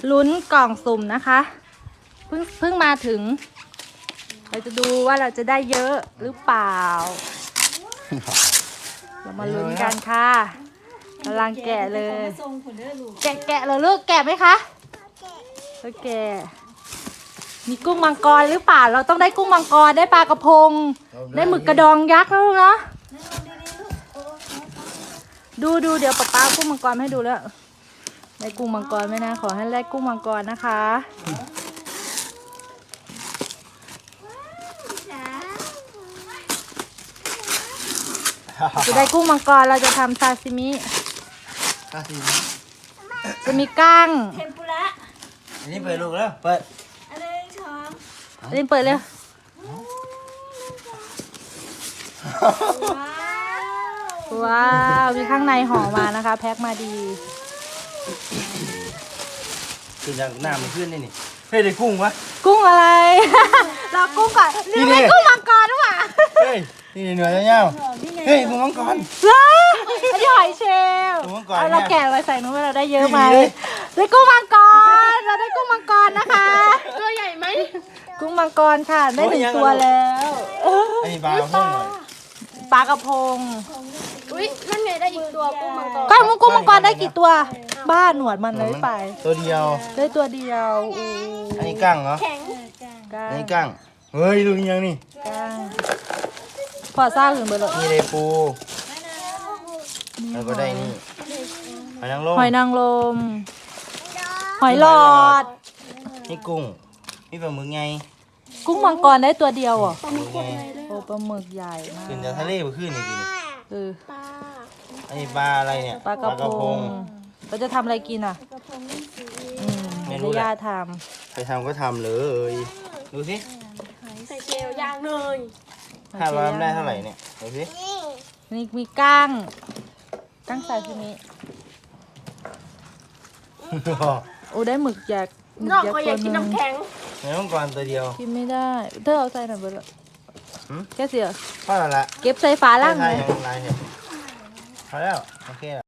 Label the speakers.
Speaker 1: ลุ้นกล่องสุ่มนะคะเพิ่งมาถึงเราจะดูว่าเราจะได้เยอะหรือเปล่า เรามาลุ้นกันค่ะกำลังแกะเลยแกะเหรอลูกแกะไหมคะแกะมีกุ้งมังกรหรือเปล่าเราต้องได้กุ้งมังกรได้ปลากระพงได้หมึกกระดองยักษ์แล้วลูกเนาะดูเดี๋ยวป้ากุ้งมังกรให้ดูแล้วได้กุ้งมังกรไหมนะขอให้ได้กุ้งมังกรนะคะจะได้กุ้งมังกรเราจะทำซาซิมิจะมีกั้ง
Speaker 2: เทมปุระ
Speaker 3: อันนี้เปิดลูกแล้วเปิด
Speaker 2: อะไรช้อน
Speaker 1: เล่นเปิดเลยว้าวมีข้างในห่อมานะคะแพ็คมาดี
Speaker 3: คือจากหน้ามันขึ้นนี่เฮ้ยได้กุ้งวะ
Speaker 1: กุ้งอะไร เรากุ้งก่อนนี่ไม่กุ้งมังกรหรือเปล่า
Speaker 3: เฮ้ยนี่เนื้อเงี้ยเฮ้ยกุ้งมังกร
Speaker 1: เหรออันนี้หอยเชลล์เอาเราแกะไว้ใส่นู้นเราได้เยอะไหมได้กุ้งมังกรเราได้กุ้งมังกรนะคะ
Speaker 2: ตัวใหญ่ไหม
Speaker 1: กุ้งมังกรค่ะได้1 ตัวแล้ว
Speaker 3: ไอ้ปลากระพง
Speaker 1: ปลากระพง
Speaker 2: อุ้ยนั่นไงได้อีกตัวกุ้งมังกร
Speaker 1: กุ้งมังกรได้กี่ตัวบ้าหนวดมันเลยไป
Speaker 3: ตัวเดียว
Speaker 1: ได้ตัวเดียว
Speaker 3: อันนี้กั้งเหรออันนี้กั้งเฮ้ยดูยังนี่
Speaker 1: กั้งพอซ่าถึงเบอร์เลย
Speaker 3: นี่เลยปูแล้วก็ได้นี่หอยนางรม
Speaker 1: หอยหลอด
Speaker 3: นี่กุ้งนี่ปลาหมึกไง
Speaker 1: กุ้งมังกรได้ตัวเดียวอ่ะ
Speaker 3: ปลาหมึกไง
Speaker 1: โอ้ปลาหมึกใหญ่มาก
Speaker 3: ขึ้นจากทะเลไปขึ้นนี่ดิอันนี้ปลาอะไรเนี่ย
Speaker 1: ปลากระพงเราจะทำอะไรกินอ่ะไม่รู้ย่าท
Speaker 3: ำใครทำก็ทำเลยดูสิ
Speaker 2: ใส่เจลย่างเลย
Speaker 3: ถ้าเราได้เท่าไหร่เนี่ยดูสิ
Speaker 1: นี่มีกั้งซาซิมิโอ้ได้หมึกยักษ์
Speaker 2: นอกก็อยากกินน้ำแข็ง
Speaker 3: ในห้องก่อนตัวเดียว
Speaker 1: กินไม่ได้เธอเอาใส่หน่อยเบอร์แค่เสีย
Speaker 3: พอแล้วละ
Speaker 1: เก็บใส่ฝาล่าง
Speaker 3: เลยพอแล้วโอเค